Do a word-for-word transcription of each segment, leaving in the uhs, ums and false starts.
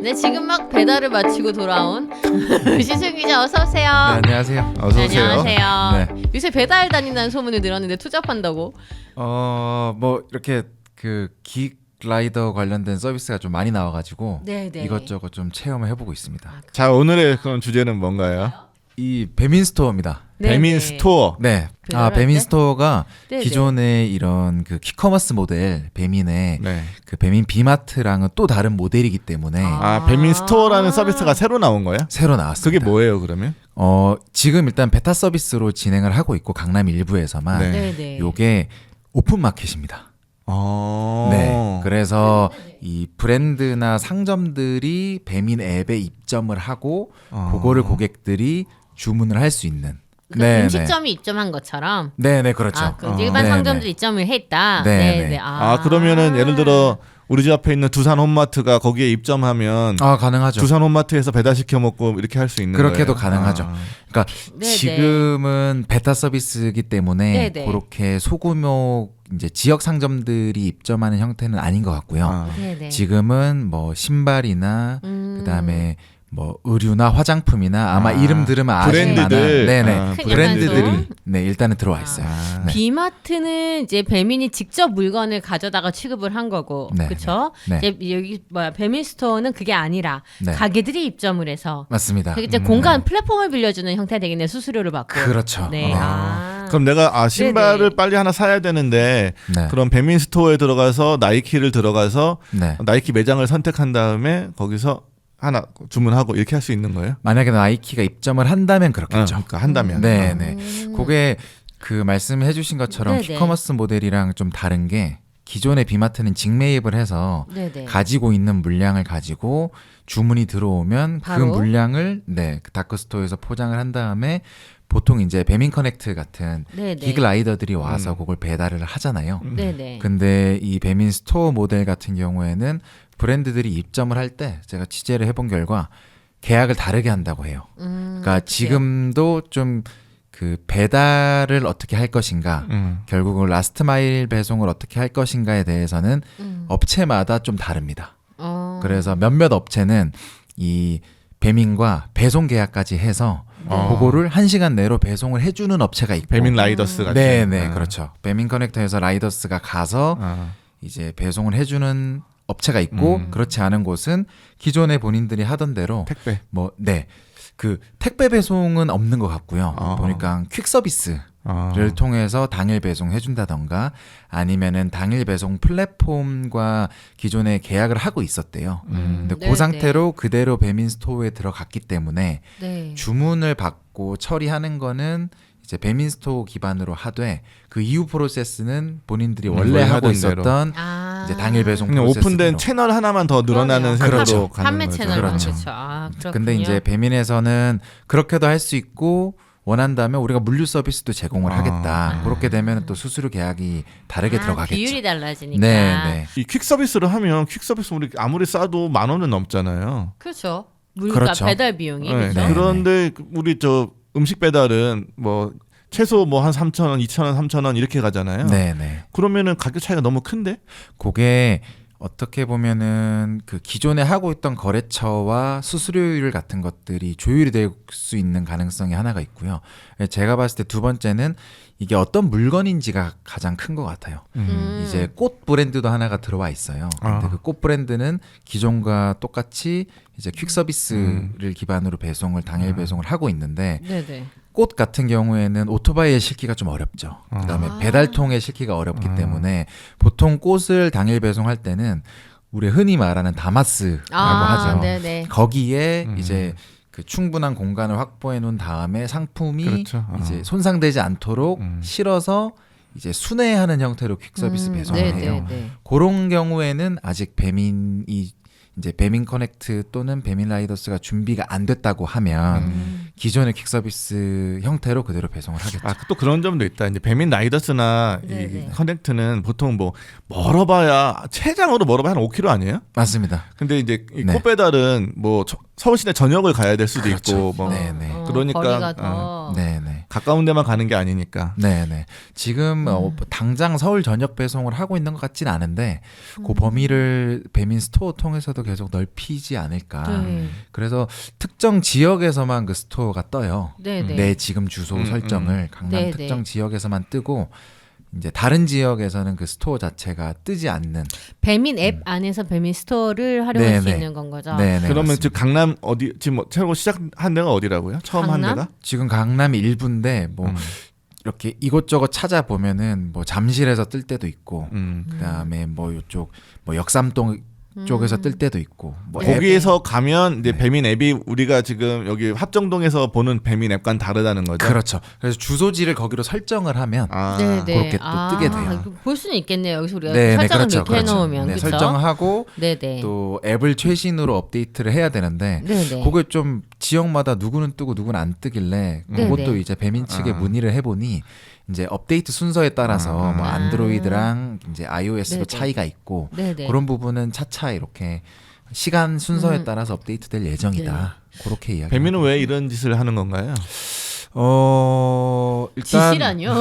네, 지금 막 배달을 마치고 돌아온 시승 기자 어서 오세요. 네, 안녕하세요. 어서 네, 오세요. 안녕하세요. 네. 요새 배달 다닌다는 소문을 들었는데 투잡한다고. 어, 뭐 이렇게 그 기획 라이더 관련된 서비스가 좀 많이 나와가지고 네, 네. 이것저것 좀 체험을 해보고 있습니다. 아, 자, 오늘의 그런 주제는 뭔가요? 이 배민 스토어입니다. 네, 배민 네. 스토어. 네. 배달할 아, 배민 때? 스토어가 네, 기존의 이런 그 퀵커머스 모델 배민의 네. 그 배민 비마트랑은 또 다른 모델이기 때문에 아. 아, 배민 스토어라는 서비스가 새로 나온 거야? 새로 나왔습니다. 그게 뭐예요, 그러면? 어, 지금 일단 베타 서비스로 진행을 하고 있고 강남 일부에서만 네. 네, 네. 요게 오픈 마켓입니다. 어. 네. 그래서 이 브랜드나 상점들이 배민 앱에 입점을 하고 어. 그거를 고객들이 주문을 할 수 있는. 그러니까 음식점이 입점한 것처럼. 네, 네, 그렇죠. 아, 그 어. 일반 네, 상점들이 네. 입점을 했다. 네, 네, 네. 네. 아, 그러면은 예를 들어 우리 집 앞에 있는 두산 홈마트가 거기에 입점하면 아, 가능하죠. 두산 홈마트에서 배달 시켜 먹고 이렇게 할 수 있는 그렇게도 거예요? 가능하죠. 아. 그러니까 네, 지금은 베타 서비스이기 때문에 네, 네. 그렇게 소규모 이제 지역 상점들이 입점하는 형태는 아닌 것 같고요. 아. 네, 네. 지금은 뭐 신발이나 음. 그다음에 뭐 의류나 화장품이나 아마 아, 이름 들으면 아실 브랜드들. 만한 네네 아, 큰 브랜드들이 양산소? 네 일단은 들어와 있어요. 아. 네. 비마트는 이제 배민이 직접 물건을 가져다가 취급을 한 거고, 네, 그렇죠? 네. 이제 여기 뭐야 배민 스토어는 그게 아니라 네. 가게들이 입점을 해서 맞습니다. 그게 이제 음. 공간 플랫폼을 빌려주는 형태 되겠네, 수수료를 받고. 그렇죠. 네. 어. 아. 그럼 내가 아 신발을 네네. 빨리 하나 사야 되는데 네. 그럼 배민 스토어에 들어가서 나이키를 들어가서 네. 나이키 매장을 선택한 다음에 거기서 하나 주문하고 이렇게 할 수 있는 거예요? 만약에 나이키가 입점을 한다면 어, 그렇겠죠. 그러니까 한다면. 네, 어. 네. 그게 그 말씀해주신 것처럼 네네. 퀵커머스 모델이랑 좀 다른 게 기존의 비마트는 직매입을 해서 네네. 가지고 있는 물량을 가지고 주문이 들어오면 바로? 그 물량을 네, 그 다크스토어에서 포장을 한 다음에 보통 이제 배민 커넥트 같은 네네. 기그 라이더들이 와서 음. 그걸 배달을 하잖아요. 음. 네네. 근데 이 배민 스토어 모델 같은 경우에는 브랜드들이 입점을 할 때 제가 취재를 해본 결과 계약을 다르게 한다고 해요. 음, 그러니까 어떡해요? 지금도 좀 그 배달을 어떻게 할 것인가, 음. 결국은 라스트 마일 배송을 어떻게 할 것인가에 대해서는 음. 업체마다 좀 다릅니다. 어. 그래서 몇몇 업체는 이 배민과 배송 계약까지 해서 어. 그거를 한 시간 내로 배송을 해주는 업체가 있고 배민 라이더스 같은. 네, 네, 아. 그렇죠. 배민 커넥터에서 라이더스가 가서 아. 이제 배송을 해주는 업체가 있고 음. 그렇지 않은 곳은 기존에 본인들이 하던 대로 택배. 뭐 네. 그 택배 배송은 없는 것 같고요. 어. 보니까 퀵 서비스를 아. 통해서 당일 배송해 준다던가 아니면은 당일 배송 플랫폼과 기존에 계약을 하고 있었대요. 음. 근데 네, 그 상태로 그대로 배민 스토어에 들어갔기 때문에 네. 주문을 받고 처리하는 거는 이제 배민 스토어 기반으로 하되 그 이후 프로세스는 본인들이 음, 원래 원래 하고 하던 있었던 아. 이제 당일 배송 그냥 프로세스로. 오픈된 채널 하나만 더 늘어나는 그럼요. 세계로 그렇죠. 가는 판매 거죠. 채널 그렇죠. 그렇죠. 아, 그렇군요. 근데 이제 배민에서는 그렇게도 할 수 있고 원한다면 우리가 물류 서비스도 제공을 아. 하겠다. 아. 그렇게 되면 또 수수료 계약이 다르게 아, 들어가겠죠. 비율이 달라지니까. 네, 네. 이 퀵 서비스를 하면 퀵 서비스 우리 아무리 싸도 만 원은 넘잖아요. 그렇죠. 물가 그렇죠. 배달 비용이 네, 그렇죠. 네. 그런데 우리 저 음식 배달은 뭐 최소 뭐 한 삼천 원, 이천 원, 삼천 원 이렇게 가잖아요. 네, 네. 그러면은 가격 차이가 너무 큰데? 그게 어떻게 보면은 그 기존에 하고 있던 거래처와 수수료율 같은 것들이 조율이 될 수 있는 가능성이 하나가 있고요. 제가 봤을 때 두 번째는 이게 어떤 물건인지가 가장 큰 것 같아요. 음. 이제 꽃 브랜드도 하나가 들어와 있어요. 근데 아. 그 꽃 브랜드는 기존과 똑같이 이제 퀵 서비스를 음. 기반으로 배송을 당일 아. 배송을 하고 있는데 네네. 꽃 같은 경우에는 오토바이에 실기가 좀 어렵죠. 아. 그다음에 아. 배달통에 실기가 어렵기 아. 때문에 보통 꽃을 당일 배송할 때는 우리 흔히 말하는 다마스라고 아, 하죠. 네네. 거기에 음. 이제 그 충분한 공간을 확보해 놓은 다음에 상품이 그렇죠. 아. 이제 손상되지 않도록 음. 실어서 이제 순회하는 형태로 퀵 서비스 음, 배송을 해요. 네네네. 그런 경우에는 아직 배민이 이제 배민 커넥트 또는 배민 라이더스가 준비가 안 됐다고 하면 음. 기존의 퀵 서비스 형태로 그대로 배송을 하겠죠. 아, 또 그런 점도 있다. 이제 배민 라이더스나 네네. 이 커넥트는 보통 뭐 멀어봐야 최장으로 멀어봐야 한 오 킬로미터 아니에요? 맞습니다. 근데 이제 이 네. 꽃배달은 뭐 저- 서울시내 전역을 가야 될 수도 그렇죠. 있고 뭐 네, 네. 어, 그러니까, 거리가 더. 네네. 가까운 데만 가는 게 아니니까. 네네. 지금 어, 음. 당장 서울 전역 배송을 하고 있는 것 같진 않은데 그 음. 범위를 배민 스토어 통해서도 계속 넓히지 않을까. 네. 그래서 특정 지역에서만 그 스토어가 떠요. 네네. 내 지금 주소 음, 설정을 강남 네네. 특정 지역에서만 뜨고 이제 다른 지역에서는 그 스토어 자체가 뜨지 않는. 배민 앱 안에서 배민 스토어를 활용할 수 네네. 있는 건 거죠. 네네. 그러면 맞습니다. 지금 강남 어디 지금 뭐 새로 시작한 데가 어디라고요? 처음 한 강남? 데가? 지금 강남 일부인데 뭐 음. 이렇게 이곳저곳 찾아보면은 뭐 잠실에서 뜰 때도 있고 음. 그다음에 뭐 이쪽 뭐 역삼동 쪽에서 뜰 때도 있고 뭐 네. 앱- 거기에서 가면 이제 네. 배민 앱이 우리가 지금 여기 합정동에서 보는 배민 앱과는 다르다는 거죠. 그렇죠. 그래서 주소지를 거기로 설정을 하면 아, 네네. 그렇게 또 뜨게 돼요. 이거 볼 수는 있겠네요. 여기서 우리가 네, 네, 설정을 그렇죠, 이렇게 그렇죠. 해놓으면 네, 그렇죠. 설정하고 네네. 또 앱을 최신으로 업데이트를 해야 되는데 네네. 그게 좀 지역마다 누구는 뜨고 누구는 안 뜨길래 네네. 그것도 이제 배민 측에 아. 문의를 해보니 이제 업데이트 순서에 따라서 아. 뭐 아. 안드로이드랑 이제 아이오에스도 네네. 차이가 있고 네네. 그런 부분은 차차 이렇게 시간 순서에 음. 따라서 업데이트될 예정이다. 그렇게 이야기. 배민은 왜 이런 짓을 하는 건가요? 어 일단 지시라뇨.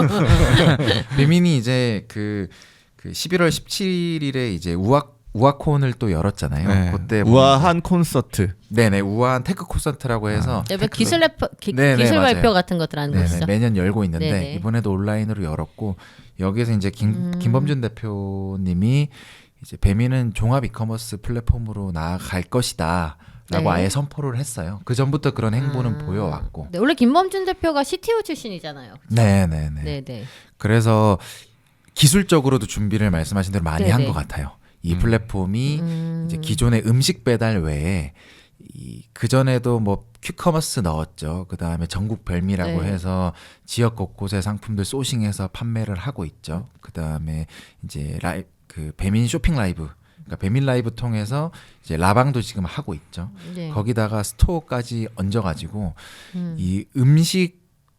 배민이 이제 그, 그 십일월 십칠일에 이제 우악 우아콘을 또 열었잖아요. 네. 그때 우아한 콘서트. 네네 우아한 테크 콘서트라고 해서 네, 기술 래퍼, 기, 네네, 기술 맞아요. 발표 같은 것들 하는 네네, 것이죠. 매년 열고 있는데 네네. 이번에도 온라인으로 열었고 여기에서 이제 김, 음. 김범준 대표님이 이제 배민은 종합 이커머스 플랫폼으로 나아갈 것이다. 라고 네. 아예 선포를 했어요. 그 전부터 그런 행보는 아. 보여왔고. 네, 원래 김범준 대표가 씨티오 출신이잖아요. 네네네. 네네. 그래서 기술적으로도 준비를 말씀하신 대로 많이 한 네네. 것 같아요. 이 음. 플랫폼이 음. 이제 기존의 음식 배달 외에 그 전에도 뭐 퀵커머스 넣었죠. 그 다음에 전국 별미라고 네. 해서 지역 곳곳의 상품들 소싱해서 판매를 하고 있죠. 그 다음에 이제 라이 그 배민 쇼핑 라이브, 그러니까 배민 라이브 통해서 이제 라방도 지금 하고 있죠. 네. 거기다가 스토어까지 얹어가지고 음. 이 음식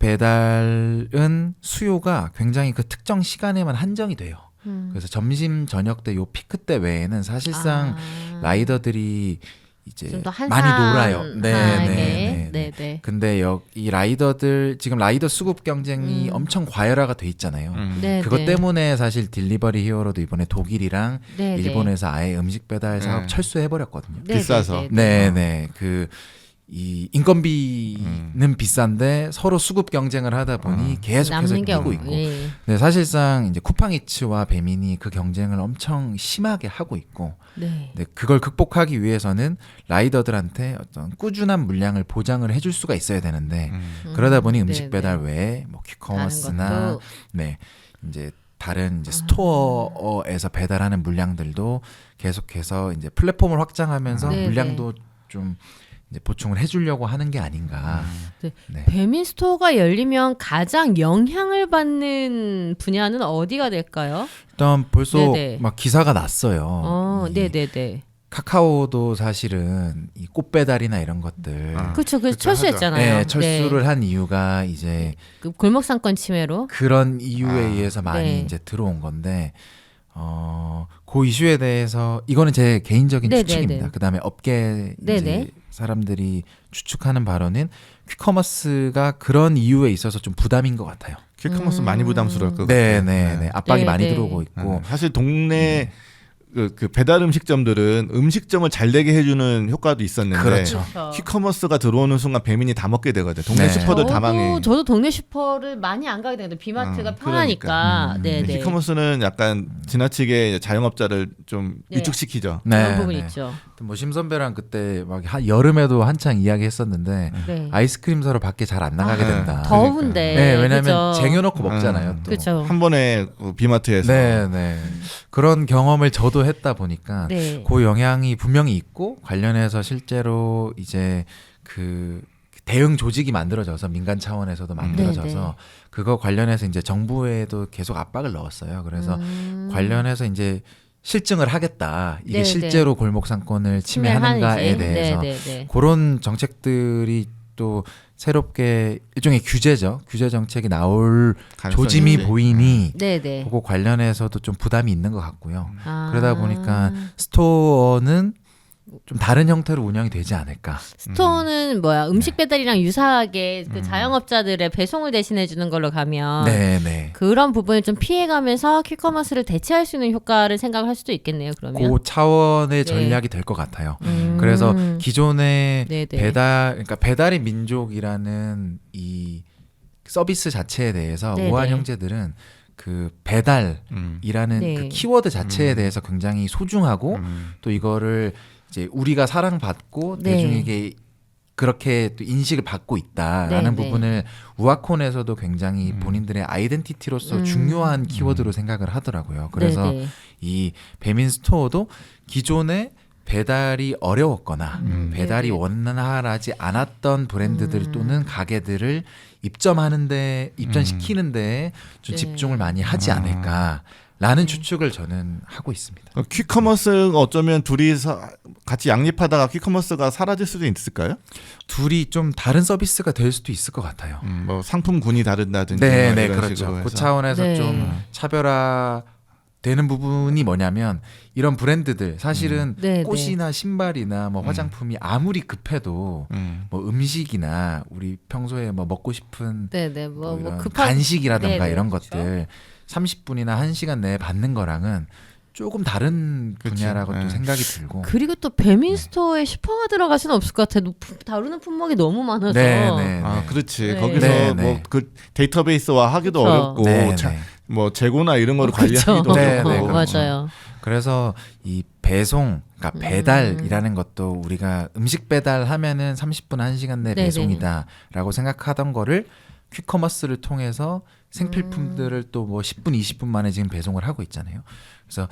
배달은 수요가 굉장히 그 특정 시간에만 한정이 돼요. 음. 그래서 점심 저녁 때 요 피크 때 외에는 사실상 아. 라이더들이 이제 좀더 많이 놀아요. 네, 한산하게. 네, 네. 네네. 근데 여, 이 라이더들 지금 라이더 수급 경쟁이 음. 엄청 과열화가 돼 있잖아요. 음. 네, 그것 네. 때문에 사실 딜리버리 히어로도 이번에 독일이랑 네, 네. 일본에서 아예 음식 배달 사업 네. 철수해 버렸거든요. 네, 비싸서. 네, 네. 네, 네. 그 이 인건비는 음. 비싼데 서로 수급 경쟁을 하다 보니 음. 계속해서 남는 게 뛰고 없- 있고. 예. 네, 사실상 이제 쿠팡이츠와 배민이 그 경쟁을 엄청 심하게 하고 있고, 네. 네, 그걸 극복하기 위해서는 라이더들한테 어떤 꾸준한 물량을 보장을 해줄 수가 있어야 되는데 음. 그러다 보니 음, 음식 네, 배달 네. 외에 뭐 다른 퀵커머스나 것도. 네 이제 다른 이제 아. 스토어에서 배달하는 물량들도 계속해서 이제 플랫폼을 확장하면서 네, 물량도 좀 이제 보충을 해주려고 하는 게 아닌가. 네. 네. 배민 스토어가 열리면 가장 영향을 받는 분야는 어디가 될까요? 일단 벌써 네네. 막 기사가 났어요. 어, 이 네, 네, 네. 카카오도 사실은 이 꽃배달이나 이런 것들 아. 그렇죠. 그 그렇죠, 철수했잖아요. 네, 철수를 한 이유가 이제 그 골목 상권 침해로. 그런 이유에 아. 의해서 많이 네. 이제 들어온 건데 어, 그 이슈에 대해서 이거는 제 개인적인 네네네. 추측입니다. 그다음에 업계 이제 네네. 사람들이 추측하는 바로는 퀵커머스가 그런 이유에 있어서 좀 부담인 것 같아요. 퀵커머스 음. 많이 부담스러울 것 네, 같아요. 네, 네. 압박이 네, 많이 네. 들어오고 있고. 음, 사실 동네 그, 그 배달 음식점들은 음식점을 잘 되게 해주는 효과도 있었는데 그렇죠. 퀵커머스가 들어오는 순간 배민이 다 먹게 되거든. 동네 네. 슈퍼들 다 망해. 저도 동네 슈퍼를 많이 안 가게 되는데 비마트가 어, 편하니까. 그러니까. 음. 네, 네. 퀵커머스는 약간 지나치게 자영업자를 좀 네. 위축시키죠. 그런 부분 있죠. 뭐 심선배랑 그때 막 한 여름에도 한창 이야기했었는데 네. 아이스크림 사러 밖에 잘 안 나가게 아, 된다. 더운데. 네, 왜냐면 그죠? 쟁여놓고 먹잖아요. 음. 또. 그죠. 한 번에 그 비마트에서 네, 네. 그런 경험을 저도 했다 보니까 네. 그 영향이 분명히 있고 관련해서 실제로 이제 그 대응 조직이 만들어져서 민간 차원에서도 만들어져서 네, 네. 그거 관련해서 이제 정부에도 계속 압박을 넣었어요. 그래서 음. 관련해서 이제 실증을 하겠다. 이게 네, 실제로 골목 상권을 침해하는가에 침해하는지. 대해서 네, 네, 네. 그런 정책들이 또 새롭게 일종의 규제죠. 규제 정책이 나올 가능성이 조짐이 있지. 보이니 네, 네. 그거 관련해서도 좀 부담이 있는 것 같고요. 아. 그러다 보니까 스토어는 좀 다른 형태로 운영이 되지 않을까. 스토어는 뭐야 음식 배달이랑 유사하게 그 음. 자영업자들의 배송을 대신해 주는 걸로 가면 네, 네. 그런 부분을 좀 피해가면서 퀵커머스를 대체할 수 있는 효과를 생각할 수도 있겠네요. 그러면. 그 차원의 네. 전략이 될 것 같아요. 음. 그래서 기존의 네네. 배달, 그러니까 배달의 민족이라는 이 서비스 자체에 대해서 네네. 우한 형제들은 그 배달이라는 음. 네. 그 키워드 자체에 음. 대해서 굉장히 소중하고 음. 또 이거를 이제 우리가 사랑받고 네. 대중에게 그렇게 또 인식을 받고 있다라는 네, 네. 부분을 우아콘에서도 굉장히 음. 본인들의 아이덴티티로서 음. 중요한 키워드로 생각을 하더라고요. 그래서 네네. 이 배민 스토어도 기존에 배달이 어려웠거나 음. 배달이 네네. 원활하지 않았던 브랜드들 음. 또는 가게들을 입점하는데 입점시키는데 좀 네. 집중을 많이 하지 아. 않을까라는 추측을 저는 하고 있습니다. 어, 퀵커머스가 어쩌면 둘이서 같이 양립하다가 퀵커머스가 사라질 수도 있을까요? 둘이 좀 다른 서비스가 될 수도 있을 것 같아요. 음, 뭐 상품군이 다르다든지 네, 뭐 네, 이런 그렇죠. 식으로 그 해서. 차원에서 네. 좀 차별화 되는 부분이 뭐냐면 이런 브랜드들 사실은 네, 꽃이나 신발이나 뭐 음. 화장품이 아무리 급해도 음. 뭐 음식이나 우리 평소에 뭐 먹고 싶은 네네. 뭐, 뭐 뭐 이런 급한 간식이라던가 네네, 이런 그렇죠. 것들 삼십 분이나 한 시간 내에 받는 거랑은 조금 다른 그치. 분야라고 네. 또 생각이 들고 그리고 또 배민 스토어에 슈퍼가 들어갈 수는 없을 것 같아요. 품- 다루는 품목이 너무 많아서. 네, 네, 아, 네. 그렇지. 네. 거기서 네, 뭐 네. 그 데이터베이스화 하기도 그쵸. 어렵고 네, 차- 네. 뭐 재고나 이런 거를 그렇죠. 관리하기도 네, 어렵고. 네, 어, 그렇죠. 맞아요. 그래서 이 배송, 그러니까 음. 배달이라는 것도 우리가 음식 배달하면은 삼십 분 한 시간 내 네네. 배송이다라고 생각하던 거를 퀵커머스를 통해서 생필품들을 또 뭐 십 분, 이십 분 만에 지금 배송을 하고 있잖아요. 그래서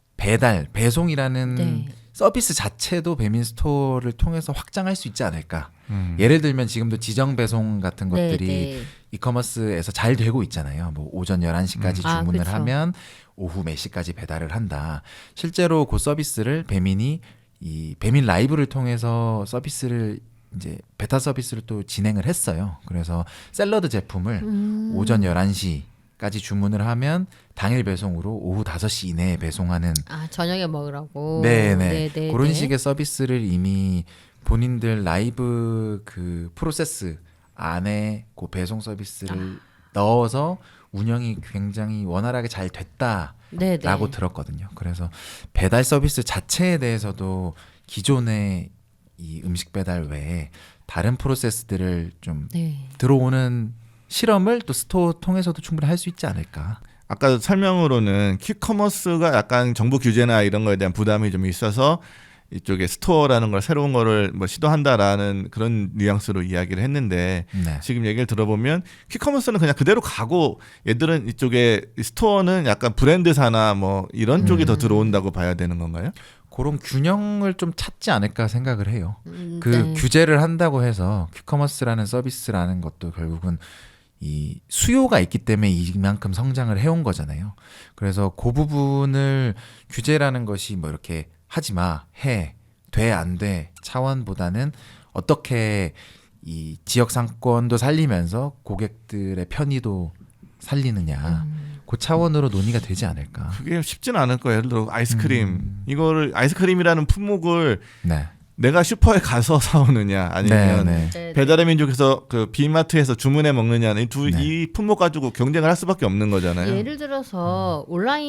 배달, 배송이라는 네. 서비스 자체도 배민 스토어를 통해서 확장할 수 있지 않을까. 음. 예를 들면 지금도 지정 배송 같은 네, 것들이 네. 이커머스에서 잘 되고 있잖아요. 뭐 오전 열한 시까지 음. 아, 주문을 그쵸. 하면 오후 몇 시까지 배달을 한다. 실제로 그 서비스를 배민이 이 배민 라이브를 통해서 서비스를 이제 베타 서비스를 또 진행을 했어요. 그래서 샐러드 제품을 음. 오전 열한 시까지 주문을 하면 당일 배송으로 오후 다섯 시 이내에 배송하는 아 저녁에 먹으라고. 네네. 네네. 그런 식의 서비스를 이미 본인들 라이브 그 프로세스 안에 그 배송 서비스를 넣어서 운영이 굉장히 원활하게 잘 됐다라고 네네. 들었거든요. 그래서 배달 서비스 자체에 대해서도 기존의 이 음식 배달 외에 다른 프로세스들을 좀 네. 들어오는 실험을 또 스토어 통해서도 충분히 할 수 있지 않을까. 아까 설명으로는 퀵커머스가 약간 정부 규제나 이런 거에 대한 부담이 좀 있어서 이쪽에 스토어라는 걸 새로운 거를 뭐 시도한다라는 그런 뉘앙스로 이야기를 했는데 네. 지금 얘기를 들어보면 퀵커머스는 그냥 그대로 가고 얘들은 이쪽에 스토어는 약간 브랜드사나 뭐 이런 쪽이 더 음. 들어온다고 봐야 되는 건가요? 그런 균형을 좀 찾지 않을까 생각을 해요. 음, 그 네. 규제를 한다고 해서 퀵커머스라는 서비스라는 것도 결국은 이 수요가 있기 때문에 이만큼 성장을 해온 거잖아요. 그래서 그 부분을 규제라는 것이 뭐 이렇게 하지 마, 해, 돼, 안 돼 차원보다는 어떻게 이 지역 상권도 살리면서 고객들의 편의도 살리느냐 음. 그 차원으로 논의가 되지 않을까. 그게 쉽지는 않을 거예요. 예를 들어 아이스크림 음. 이거를 아이스크림이라는 품목을 네. 내가 슈퍼에 가서 사오느냐 아니면 네, 네. 네, 배달의 민족에서 그 비마트에서 주문해 먹느냐는 이두 네. 이 품목 가지고 경쟁을 할 수밖에 없는 거잖아요. 예를 들어서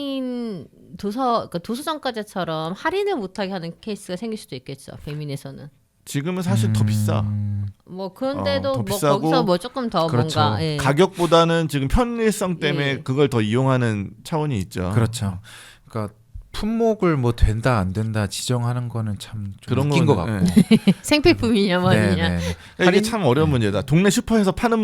온라인 도서 그러니까 도서점까지처럼 할인을 못하게 하는 케이스가 생길 수도 있겠죠. 배민에서는. 지금은 사실 더 비싸. 음, 뭐 그런데도 어, 더 뭐 비싸고 거기서 뭐 조금 더 그렇죠. 뭔가 예. 가격보다는 지금 편리성 때문에 예. 그걸 더 이용하는 차원이 있죠. 그렇죠. 그러니까 품목을 뭐 된다 안 된다 지정하는 거는 참 좀 그런 웃긴 것 거는, 같고. 예. 생필품이냐 네, 뭐냐. 네, 네. 이게 할인- 참 어려운 문제다. 동네 슈퍼에서 파는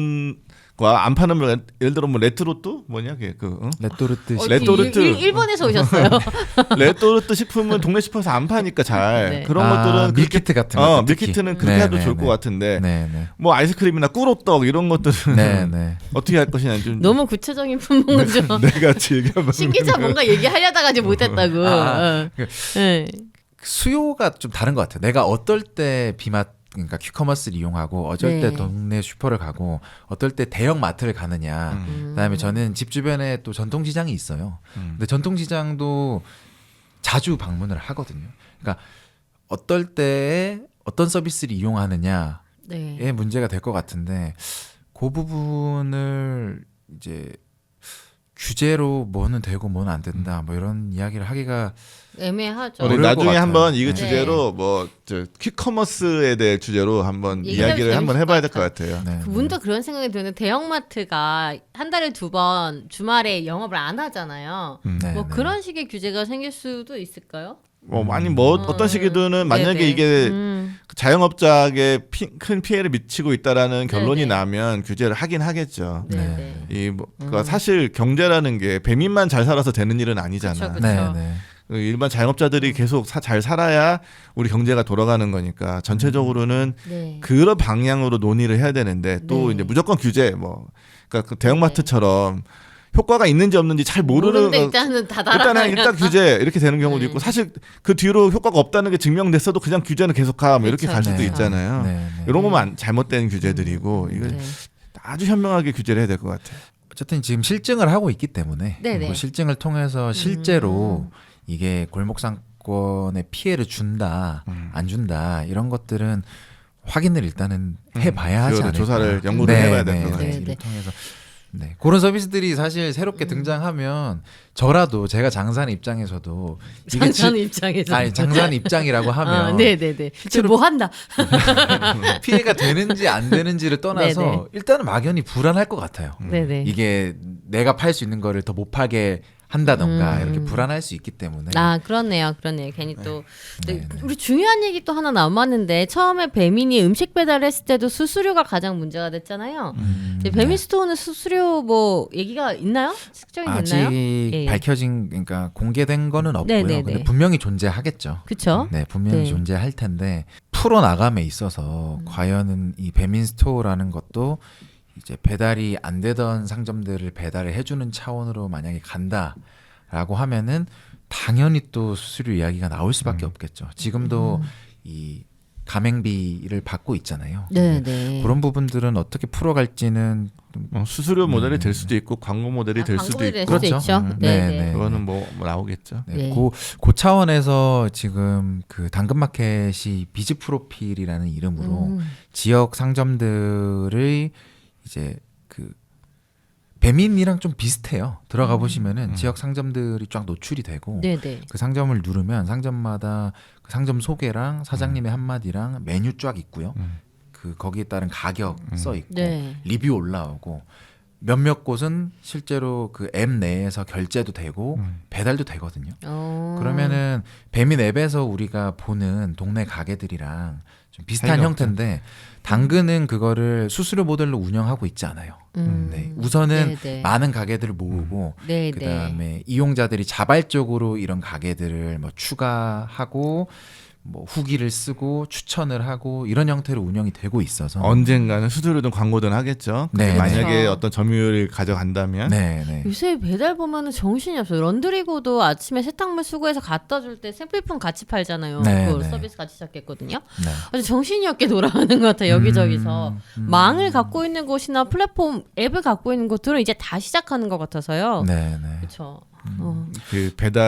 물건과 안 파는 물건, 예를 들어 뭐 레트로트 뭐냐 그게 그 응? 레토르트 어, 시- 레토르트. 일, 일, 일본에서 오셨어요. 레토르트 식품은 동네 슈퍼에서 안 파니까 잘 네. 그런 아, 것들은 그렇게- 밀키트 같은 거. 어 밀키트는 그렇게 네, 해도 네, 좋을 네. 것 같은데 네, 네. 뭐 아이스크림이나 꿀호떡 이런 것들은 네, 네. 어떻게 할 것이냐 좀 너무 구체적인 품목은 좀 내가 즐겨 먹는 신기자 뭔가 얘기하려다가 이제 못했다고. 아, 어. 네. 수요가 좀 다른 것 같아요. 내가 어떨 때 비마 그러니까 퀵커머스를 이용하고 어쩔 때 네. 동네 슈퍼를 가고 어떨 때 대형 마트를 가느냐. 음. 그다음에 저는 집 주변에 또 전통시장이 있어요. 음. 근데 전통시장도 자주 방문을 하거든요. 그러니까 어떨 때에 어떤 서비스를 이용하느냐의 네. 문제가 될 것 같은데 그 부분을 이제 규제로 뭐는 되고 뭐는 안 된다 뭐 이런 이야기를 하기가 애매하죠. 우리 어려울 것 나중에 같아요. 한번 이거 네. 주제로 뭐저 퀵커머스에 대해 주제로 한번 얘기해보면 이야기를 한번 재밌을 해봐야 것 될 것 같아요. 네, 그 네. 문득 그런 생각이 드는 대형마트가 한 달에 두 번 주말에 영업을 안 하잖아요. 음. 네, 뭐 네. 그런 식의 규제가 생길 수도 있을까요? 뭐 아니 뭐 음. 어떤 시기든 만약에 네네. 이게 음. 자영업자에게 피, 큰 피해를 미치고 있다라는 결론이 네네. 나면 규제를 하긴 하겠죠. 네, 네. 네. 이 뭐, 그러니까 음. 사실 경제라는 게 배민만 잘 살아서 되는 일은 아니잖아. 그쵸, 그쵸. 네, 네. 그 일반 자영업자들이 계속 사, 잘 살아야 우리 경제가 돌아가는 거니까 전체적으로는 네. 그런 방향으로 논의를 해야 되는데 또 네. 이제 무조건 규제 뭐 그러니까 그 대형마트처럼 효과가 있는지 없는지 잘 모르는 모르는데 거- 일단은 다 일단은 달아. 일단 규제 이렇게 되는 경우도 네. 있고 사실 그 뒤로 효과가 없다는 게 증명됐어도 그냥 규제는 계속하 뭐 이렇게 그쵸, 갈 수도 네. 있잖아요. 네, 네. 이런 거만 안- 잘못된 규제들이고 이거 네. 아주 현명하게 규제를 해야 될 것 같아요. 어쨌든 지금 실증을 하고 있기 때문에 네네. 그 실증을 통해서 실제로 음. 이게 골목 상권에 피해를 준다 음. 안 준다 이런 것들은 확인을 일단은 해봐야 하지 그거를 않을까. 조사를 연구를 해봐야 될 것 같아요. 네, 이를 네. 통해서 네 그런 서비스들이 사실 새롭게 음. 등장하면 저라도 제가 장사하는 입장에서도 이게 장사하는 지- 입장에서. 아니 장사하는 입장이라고 하면 아, 네네네. 실제로 뭐 한다. 피해가 되는지 안 되는지를 떠나서 네네. 일단은 막연히 불안할 것 같아요. 네네. 이게 내가 팔 수 있는 거를 더 못 팔게 한다던가 음. 이렇게 불안할 수 있기 때문에 아 그렇네요, 그렇네요. 괜히 또 네, 네, 네. 우리 중요한 얘기 또 하나 남았는데 처음에 배민이 음식 배달했을 때도 수수료가 가장 문제가 됐잖아요. 음, 이제 배민 스토어는 수수료 뭐 얘기가 있나요? 측정이 아직 됐나요? 예. 밝혀진 그러니까 공개된 거는 없고요. 네, 네, 근데 네. 분명히 존재하겠죠. 그쵸? 네, 분명히 네. 존재할 텐데 풀어 나감에 있어서 음. 과연 이 배민 스토어라는 것도 이제 배달이 안 되던 상점들을 배달을 해주는 차원으로 만약에 간다라고 하면은 당연히 또 수수료 이야기가 나올 수밖에 음. 없겠죠. 지금도 음. 이 가맹비를 받고 있잖아요. 네, 네. 그런 부분들은 어떻게 풀어갈지는 좀 뭐 수수료 모델이 음. 될 수도 있고 광고 모델이 아, 될 수도 광고에 있고 될 수도 그렇죠. 있죠. 음. 네, 네, 네. 네. 그거는 뭐, 뭐 나오겠죠. 네, 네. 그, 그 차원에서 지금 그 당근마켓이 비즈 프로필이라는 이름으로 음. 지역 상점들의 이제 그 배민이랑 좀 비슷해요. 들어가 보시면은 음. 지역 상점들이 쫙 노출이 되고 네, 네. 그 상점을 누르면 상점마다 그 상점 소개랑 사장님의 음. 한마디랑 메뉴 쫙 있고요. 음. 그 거기에 따른 가격 음. 써 있고 네. 리뷰 올라오고 몇몇 곳은 실제로 그 앱 내에서 결제도 되고 음. 배달도 되거든요. 어. 그러면은 배민 앱에서 우리가 보는 동네 가게들이랑 좀 비슷한 차이가 형태인데 당근은 그거를 수수료 모델로 운영하고 있지 않아요. 음. 네, 우선은 네, 네. 많은 가게들을 모으고 네, 그다음에 이용자들이 자발적으로 이런 가게들을 뭐 추가하고 뭐 후기를 쓰고 추천을 하고 이런 형태로 운영이 되고 있어서 언젠가는 수수료든 광고든 하겠죠. 근데 네, 만약에 네. 어떤 점유율을 가져간다면 네, 네. 요새 배달 보면은 정신이 없어요. 런드리고도 아침에 세탁물 수거해서 갖다 줄 때 생필품 같이 팔잖아요. 네, 그걸 네. 서비스 같이 시작했거든요. 네. 아주 정신이 없게 돌아가는 것 같아요. 여기저기서. 음, 음. 망을 갖고 있는 곳이나 플랫폼 앱을 갖고 있는 곳들은 이제 다 시작하는 것 같아서요. 네, 네. 그렇죠. 어. 그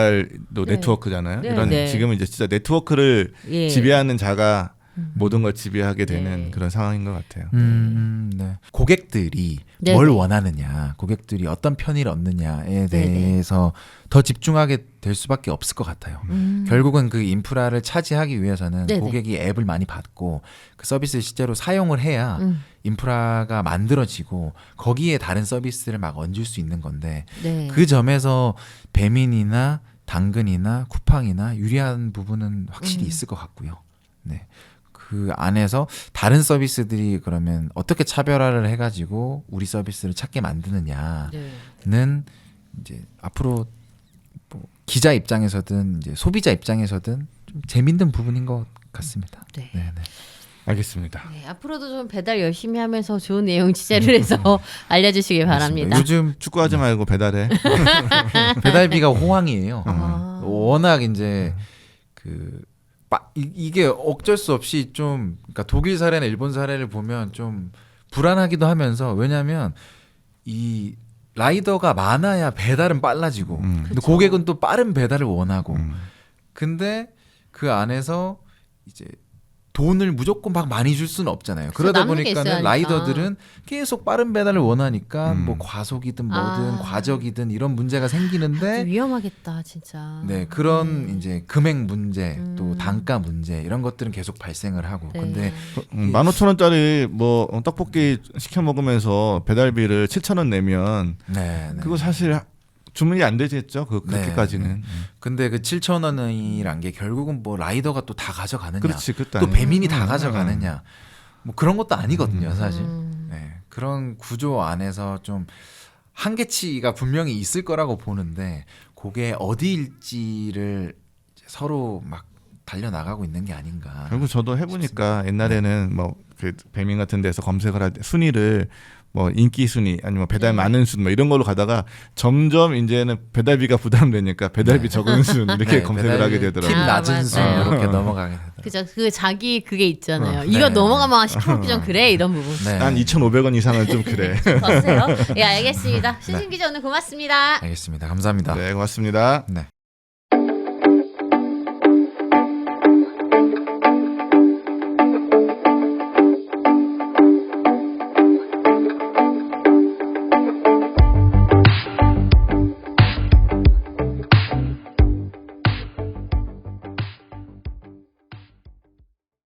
배달도 네. 네트워크잖아요. 네, 이런 네. 지금은 이제 진짜 네트워크를 예. 지배하는 자가 음. 모든 걸 지배하게 되는 네. 그런 상황인 것 같아요. 음, 네. 고객들이 네, 뭘 네. 원하느냐, 고객들이 어떤 편의를 얻느냐에 네, 네. 대해서 더 집중하게 될 수밖에 없을 것 같아요. 음. 결국은 그 인프라를 차지하기 위해서는 네, 네. 고객이 앱을 많이 받고 그 서비스를 실제로 사용을 해야 음. 인프라가 만들어지고 거기에 다른 서비스를 막 얹을 수 있는 건데 네. 그 점에서 배민이나 당근이나 쿠팡이나 유리한 부분은 확실히 음. 있을 것 같고요. 네. 그 안에서 다른 서비스들이 그러면 어떻게 차별화를 해가지고 우리 서비스를 찾게 만드느냐는 네. 이제 앞으로 뭐 기자 입장에서든 이제 소비자 입장에서든 좀 재밌는 부분인 것 같습니다. 네. 네, 네. 알겠습니다. 네, 앞으로도 좀 배달 열심히 하면서 좋은 내용 취재를 해서 알려주시기 바랍니다. 요즘 축구하지 말고 배달해. 배달비가 호황이에요. 아. 워낙 이제 그 빠- 이- 이게 어쩔 수 없이 좀 그러니까 독일 사례나 일본 사례를 보면 좀 불안하기도 하면서 왜냐하면 이 라이더가 많아야 배달은 빨라지고 음. 근데 그쵸. 고객은 또 빠른 배달을 원하고 음. 근데 그 안에서 이제 돈을 무조건 막 많이 줄 수는 없잖아요. 그러다 남는 게 보니까는 있어야 라이더들은 계속 빠른 배달을 원하니까 음. 뭐 과속이든 뭐든 아. 과적이든 이런 문제가 좀 생기는데 위험하겠다 진짜. 네 그런 네. 이제 금액 문제 또 음. 단가 문제 이런 것들은 계속 발생을 하고 네. 근데 음, 만 오천 원짜리 뭐 어, 떡볶이 시켜 먹으면서 배달비를 칠천 원 내면 네, 네. 그거 사실 주문이 안 되겠죠. 그 그렇게까지는. 네, 근데 그 칠천 원이란 게 결국은 뭐 라이더가 또 다 가져가느냐 그렇지, 그것도 또 아니고. 배민이 다 음, 가져가느냐 뭐 그런 것도 아니거든요 사실. 음. 네, 그런 구조 안에서 좀 한계치가 분명히 있을 거라고 보는데 그게 어디일지를 이제 서로 막 달려 나가고 있는 게 아닌가. 결국 저도 해보니까 옛날에는 뭐 그 배민 같은 데서 검색을 할 때 순위를 뭐 인기 순위 아니면 배달 네. 많은 순 뭐 이런 걸로 가다가 점점 이제는 배달비가 부담되니까 배달비 네. 적은 순 이렇게 네, 검색을 배달 하게 팁 되더라고요. 아, 낮은 순 맞아요. 이렇게 넘어가게 되더라고요. 그죠. 그 자기 그게 있잖아요. 어, 이거 네. 넘어가면 시켜먹기 좀 그래 이런 부분. 네. 난 이천오백 원 이상은 좀 그래. 더 세요? 예 알겠습니다. 신신 기자 오늘 고맙습니다. 알겠습니다. 감사합니다. 네, 고맙습니다. 네.